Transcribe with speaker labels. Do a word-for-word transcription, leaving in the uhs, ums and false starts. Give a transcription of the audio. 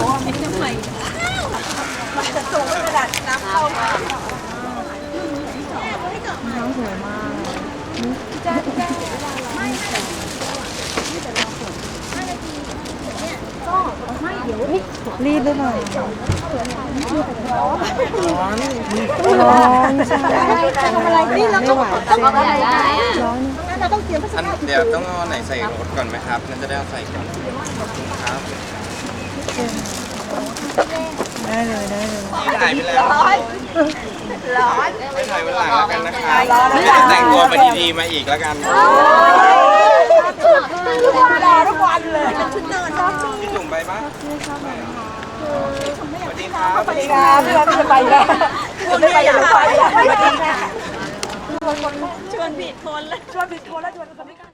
Speaker 1: ทำไมมันจะสูงขนาดน้ำเข้าน้องสวยมากจ้าจ้าไม่ก็ไม่เดี๋ยวรีบหรือเปล่าร้อนร้อนใช่ทำอะไรนี่เราต้องต้องอะไรร้อนเราต้องเตรียม
Speaker 2: อันเดี๋ยวต้องเอาไหนใส่รถก่อนไหมครับนั่นจะได้เอาใส่ก่อนขอบคุณครับ
Speaker 1: ได้เลยได้เลย
Speaker 2: ถ่ายไปแล้ว
Speaker 1: ร้อนร้อน
Speaker 2: ไม่ถ่ายวันหลังแล้วกันนะครับแต่งตัวไปดีๆมาอีกแล้วกัน
Speaker 1: รอทุกวันเลยชุดนอน
Speaker 2: พี่จุ่มไปปะสวัสดีครับ
Speaker 1: สวัสดีครับพี่ว่าพี่จะไปแล้วคุณไม่ไปอย่าไปสวัสดีค่ะชวนผิดคนแล้วชวนผิดคนแล้วชวนคนไม่กล้า